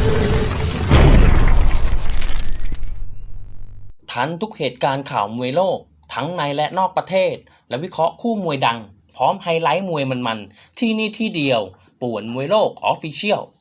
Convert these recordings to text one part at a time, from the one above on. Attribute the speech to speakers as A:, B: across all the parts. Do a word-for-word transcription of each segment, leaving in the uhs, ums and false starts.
A: ทันทุกเหตุการณ์ข่าวมวยโลกทั้งในและนอกประเทศและวิเคราะห์คู่มวยดังพร้อมไฮไลท์มวยมันๆที่นี่ที่เดียวป่วนมวยโลกออฟฟิเชียล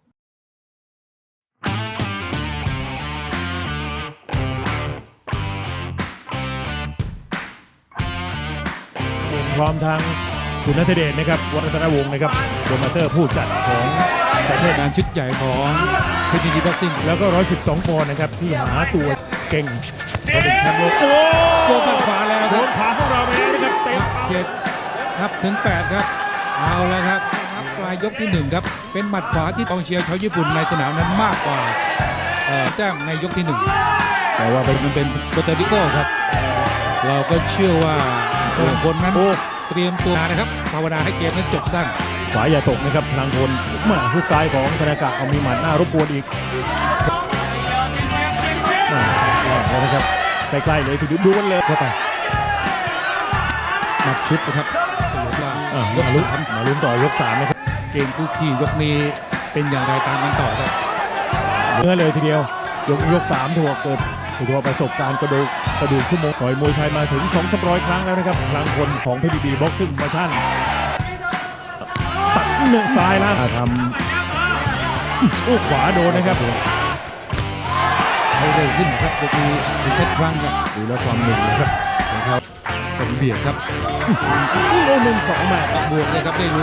B: พร้อมทั้งคุณณัฐเดชนะครับวัฒนวงศ์นะครับโปรโมเตอร์ผู้จัดของประเทศงานชุดใหญ่ของเพชรยินดีบ็อกซิ่งแล้วก็หนึ่งร้อยสิบสองปอนด์นะครับที่หาตัวเก่งเป็นแชมป์โลกโอ้โดนตัดขวาแล้วโดนขาของเราไปแล้วนะครับเต็มเจ็ดครับถึงแปดครับเอาแล้วครับปลายยกที่หนึ่งครับเป็นหมัดขวาที่กองเชียร์ชาวญี่ปุ่นในสนามนั้นมากกว่าแต้มในยกที่หนึ่งแต่ว่ามันเป็นโปรตุเกสครับเราก็เชื่อว่าตัวคนนั้นเตรียมตัวนะครับภาวนาให้เกมนั้นจบสั้นขวาอย่าตกนะครับพลังพลมาฮุกซ้ายของธนากะเอามีหมัดหน้ารบกวนอีกมาแล้วนะครับใกล้ๆเลยทีเดียวดูกันเลยเข้าไปหมัดชุดนะครับยกสามมาลุ้นต่อยกสามนะครับเกมคู่ขี้ยกนี้เป็นอย่างไรตามกันต่อครับเนื้อเลยทีเดียวยกยกสามถือว่าเกิดถือว่าประสบการณ์กระดูกกระดูกชั่วโมงต่อยมวยไทยมาถึงสองสามร้อยครั้งแล้วนะครับพลังพลของเพชรยินดีบ็อกซิ่งมาชั่นตัดเนื้อซ้ายแล้วทำโอ้ขวาโดนนะครับให้เร็วขึ้นครับยกนี้ดูเท็ดครั้งครับดูแล้วความหนึ่งนะครับของเขาเป็นเบียดครับโอ้หนึ่งสองแมตช์บวกเลยครับได้ลุ้น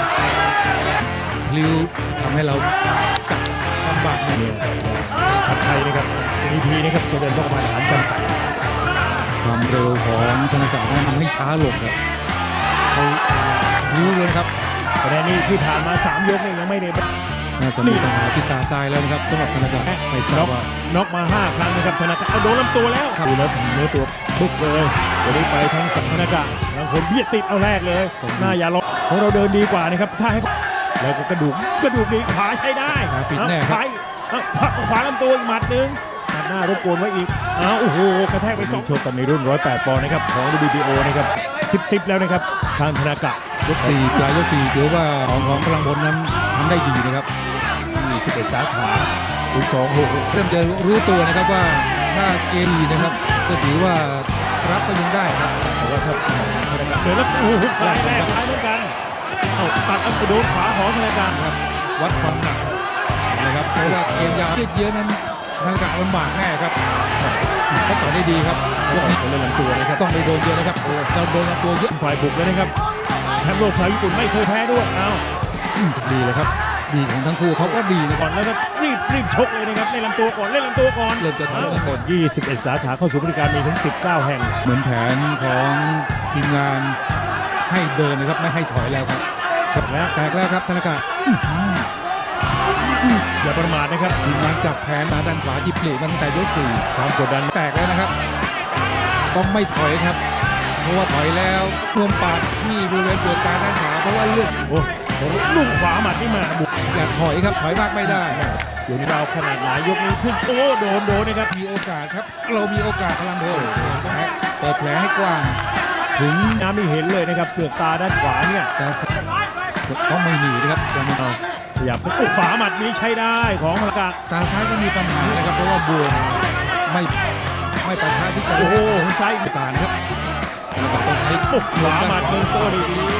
B: ลิ้วทำให้เราจับลำบากเนี่ยชัดไทยนะครับซีพีนะครับจะเดินเข้ามาหารกันความเร็วของธนากะนั้นทำให้ช้าลงครับเขาลิ้วเลยครับคะแนนนี้ที่ผ่านมาสามยกเนี่ยยังไม่ได้น่าจะมีปัญหาที่ตาซ้ายแล้วนะครับสำหรับธนากะไม่ทราบว่าน็อกมาห้าครั้งนะครับธนากะเอาโดนลำตัวแล้วดูแล้วเนื้อตัวบุกเลยวันนี้ไปทั้งสัมธนากะบางคนเบียดติดเอาแรกเลยหน้าอย่าล็อกของเราเดินดีกว่านะครับถ้าให้แล้วก็กระดูกกระดูกดีขาใช้ได้ปิดแน่ครับขวาลำตัวอีกหมัดหนึ่งหมัดหน้ารบกวนไว้อีกอ้าวโอ้โหกระแทกไปสองโชคกันในรุ่นหนึ่งร้อยแปดปอนด์นะครับของ ดับเบิลยู บี โอ นะครับสิบ สิบแล้วนะครับทางธนากะยกสี่ปลายยกสี่ถือว่าของของพลังพลนั้นทำได้ดีนะครับมีสิบเอ็ดสาขาศูนย์ สอง หก เริ่มจะรู้ตัวนะครับว่าถ้าเกมดีนะครับก็ถือว่ารับก็ยังได้ครับแต่ว่าถ้าเจอแล้วโอ้โหหุกซ้ายแรกซ้ายเหมือนกันเอาตัดอัพโดนขวาของธนากะครับวัดความหนักนะครับเพราะว่าเกมยาวยืดเยื้อนั้นธนากะลำบากแน่ครับเขาต่อได้ดีครับยกนี้เล่นลำตัวนะครับต้องไปโดนเยอะนะครับเราโดนลำตัวเยอะฝ่ายบุกเลยนะครับแชมป์โลกชาวญี่ปุ่นไม่เคยแพ้ด้วยเอาดีเลยครับดีของทั้งคู่เขาก็ดีก่อนแล้วก็รีบรีบชกเลยนะครับเล่นลำตัวก่อนเล่นลำตัวก่อนเริ่มจะทำแล้วก่อนยี่สิบเอ็ดสาขาเข้าสู่บริการมีถึงสิบเก้าแห่งเหมือนแผนของทีมงานให้เดินนะครับไม่ให้ถอยแล้วครับแล้วแตกแล้วครับธนากะอย่าประมาทนะครับทีมงานจับแผนมาด้านขวาที่เปลี่ยนตั้งแต่ยกสี่ความกดดันแตกแล้วนะครับต้องไม่ถอยครับเพราะว่าถอยแล้วรวมปากที่บริเวณปวดตาด้านขวาเพราะว่าเลือดโอ้ลูกขวาหมัดนี่มาบุกอย่าถอยครับถอยมากไม่ได้ยกเราขนาดหลายยกนี้ขึ้นโอ้โดนโดนนะครับมีโอกาสครับเรามีโอกาสพลังโดนเปิดแผลให้กว้างถึงน้ำไม่เห็นเลยนะครับเปลือกตาด้านขวาเนี่ยแต่ต้องไม่หนีนะครับจะไม่เอาอย่าไปขวาหมัดนี้ใช้ได้ของธนากะตาซ้ายก็มีปัญหานะครับเพราะว่าบวมไม่ไม่ปะทะที่กันโอ้โหซ้ายตานะครับต้องใช้ขวาหมัดเดินโต้ดี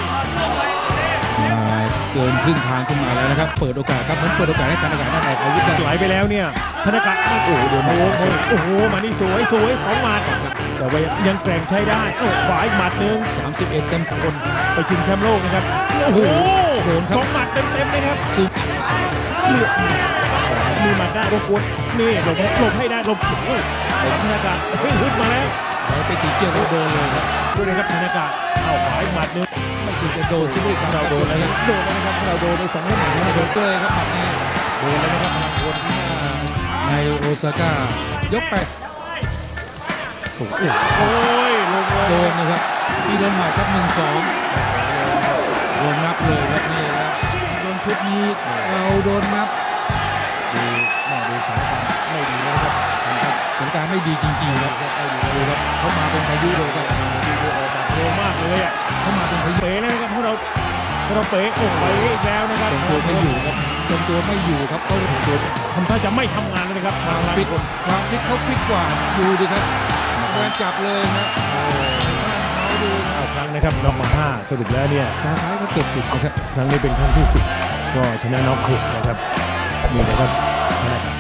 B: มาเกินครึ่งทางขึ้นมาแล้วนะครับเปิดโอกาสครับเหมือนเปิดโอกาสให้ธนากะได้ออกอาวุธได้ไหลไปแล้วเนี่ยธนากะโอ้โหโดนโอ้โหโอ้โหมานี่สวยสวยสองหมัดแต่ว่ายังแกร่งใช้ได้โอ้ขวาอีกหมัดหนึ่งสามสิบเอ็ดเต็มคนไปชิงแชมป์โลกนะครับโอ้โหโดนสองหมัดเต็มเต็มเลยครับเลือดมีหมัดได้รบกวนนี่หลบหลบให้ได้หลบโอ้ธนากะเฮ้ยฮึดมาแล้วไปตีเจียวโดนเลยครับด้วยนะครับธนากะเอาขวาอีกหมัดหนึ่งไม่ควรจะโดนซึ่งด้วยซ้ำเราโดนแล้วโดนแล้วนะครับเราโดนในสองหมัดนะครับโดนเตยครับหมัดนี้โดนแล้วนะครับพลังพลที่ในโอซาก้ายกไปโอ้ยลงโดนนะครับที่โดนหมัดครับหนึ่งสองโดนนับเลยครับนี่ครับโดนชุดนี้เราโดนนับดูแม่ดูสถานการณ์ไม่ดีนะครับสถานการณ์ไม่ดีจริงๆครับดูครับเขามาเป็นพายุเลยครับดูออกแบบเร็วมากเลยอ่ะเขามาเป็นพายุเป๋เลยนะครับพวกเราพวกเราเป๋ออกไปอีกแล้วนะครับสมบูรณ์ไม่อยู่ครับทรงตัวไม่อยู่ครับเขาทรงตัวทำท่าจะไม่ทำงานแล้วนะครับทางฟิตความฟิตเขาฟิตกว่าดูดิครับแรงจับเลยนะเขาดูเอาครั้งนะครับน็อกมาห้าสรุปแล้วเนี่ยตาซ้ายก็เก็บปิดนะครับครั้งนี้เป็นครั้งที่สิบก็ชนะน็อกหกนะครับนี่นะครับ